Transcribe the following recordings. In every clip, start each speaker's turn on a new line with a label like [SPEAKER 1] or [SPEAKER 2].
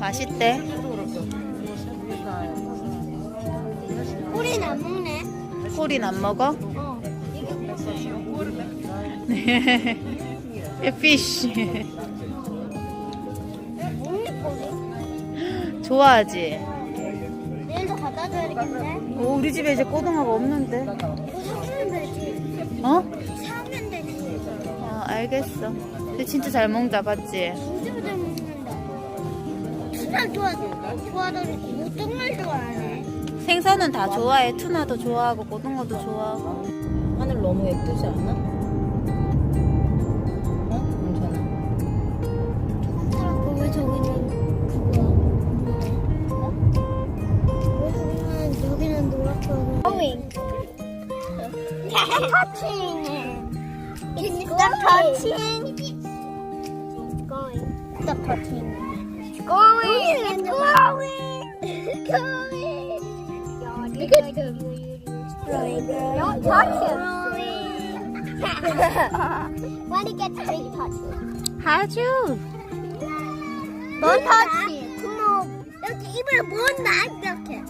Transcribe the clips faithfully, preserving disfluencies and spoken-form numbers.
[SPEAKER 1] 맛있대.
[SPEAKER 2] 꼬리는 안 먹네.
[SPEAKER 1] 콜인 안 먹어?
[SPEAKER 2] 어.
[SPEAKER 1] 네. 피쉬.
[SPEAKER 2] 먹네 꼬리.
[SPEAKER 1] 좋아하지?
[SPEAKER 2] 내일도 갖다 줘야겠네.
[SPEAKER 1] 오, 우리 집에 이제 꼬등어가 없는데.
[SPEAKER 2] 사면 되지.
[SPEAKER 1] 어?
[SPEAKER 2] 사면 되지.
[SPEAKER 1] 어, 알겠어. 근데 진짜 잘 먹는다, 봤지?
[SPEAKER 2] 진짜 잘 먹는다. 투나 좋아, 좋아하더니 모든 걸 좋아하네.
[SPEAKER 1] 생선은 다 좋아해. 투나도 좋아하고 고등어도 좋아하고. 하늘 너무 예쁘지 않아? 어? 괜찮아.
[SPEAKER 2] 사람고 왜 저기는 그거야? 어? 왜 저기는 여기는 노랗고 going. touching. It's stop touching. It's going. Stop touching. It's going. It's going. It's going. Look at them. Don't touch him. When he gets big, touch him.
[SPEAKER 1] 하주.
[SPEAKER 2] Don't touch him. 그럼 이렇게 입을 문다 이렇게.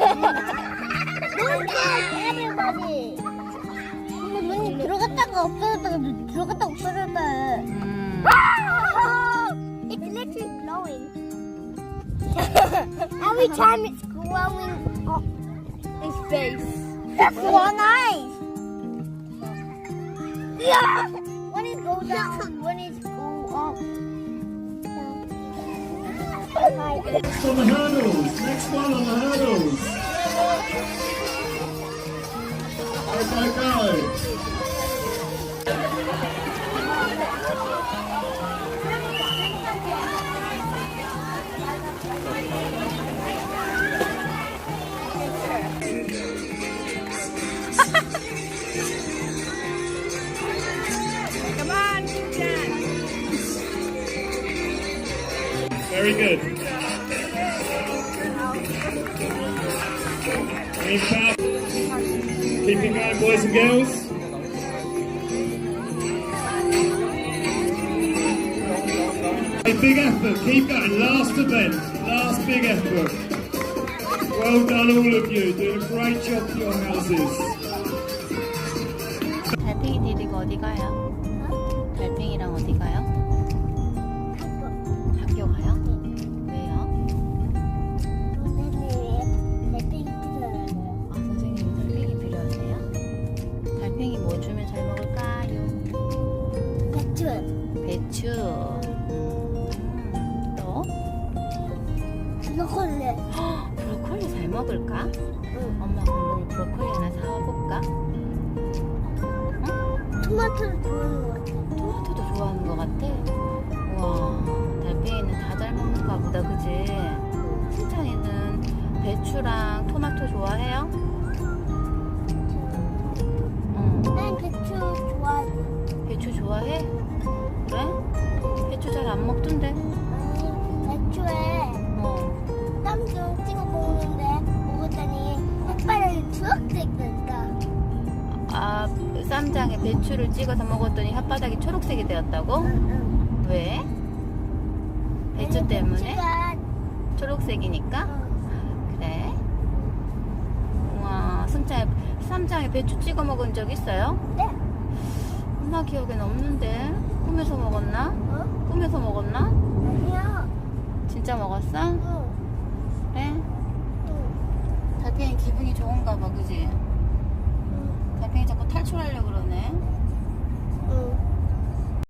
[SPEAKER 2] Don't touch everybody. 근데 문이 들어갔다가 없어졌다가 들어갔다가 없어졌다.
[SPEAKER 1] 음.
[SPEAKER 2] It's literally glowing. Every time it's glowing up his face. That's one eye. Yeah. When it goes down, when it go up. Hi.
[SPEAKER 3] Next on the hurdles. Next one on the hurdles. Go, go, go. Very good. Keep up. Keeping going, boys and girls. A big effort. Keep going. Last event. Last big effort. Well done, all of you. Doing a great job for your houses.
[SPEAKER 1] 달팽이 디디가 어디 가요? 달팽이랑 어디 가요? 학교 가요? 왜요? 아, 선생님이 달팽이 필요하세요? 달팽이 뭐 주면 잘 먹을까요? 배추. 음, 또? 헉, 브로콜리 잘 먹을까? 엄마 그럼 브로콜리 하나 사와볼까?
[SPEAKER 2] 토마토를 좋아하는 것 같아.
[SPEAKER 1] 토마토도 좋아하는 것 같아? 우와, 달팽이는 다 잘 먹는가 보다, 그지? 승찬이는 배추랑 토마토 좋아해요? 응.
[SPEAKER 2] 난 배추 좋아하지.
[SPEAKER 1] 배추 좋아해? 그래? 배추 잘 안 먹던데?
[SPEAKER 2] 아니, 배추에
[SPEAKER 1] 어.
[SPEAKER 2] 땀 좀 찍어 먹는데 먹었더니 햇바닥이 초록색 된다.
[SPEAKER 1] 아, 쌈장에 배추를 찍어서 먹었더니 혓바닥이 초록색이 되었다고?
[SPEAKER 2] 응,
[SPEAKER 1] 왜?
[SPEAKER 2] 응.
[SPEAKER 1] 배추
[SPEAKER 2] 아니,
[SPEAKER 1] 때문에?
[SPEAKER 2] 배추가,
[SPEAKER 1] 초록색이니까?
[SPEAKER 2] 어,
[SPEAKER 1] 그래? 우와, 승찬이 쌈장에 배추 찍어 먹은 적 있어요?
[SPEAKER 2] 네.
[SPEAKER 1] 엄마 기억엔 없는데 꿈에서 먹었나?
[SPEAKER 2] 어?
[SPEAKER 1] 꿈에서 먹었나?
[SPEAKER 2] 아니야.
[SPEAKER 1] 진짜 먹었어?
[SPEAKER 2] 응.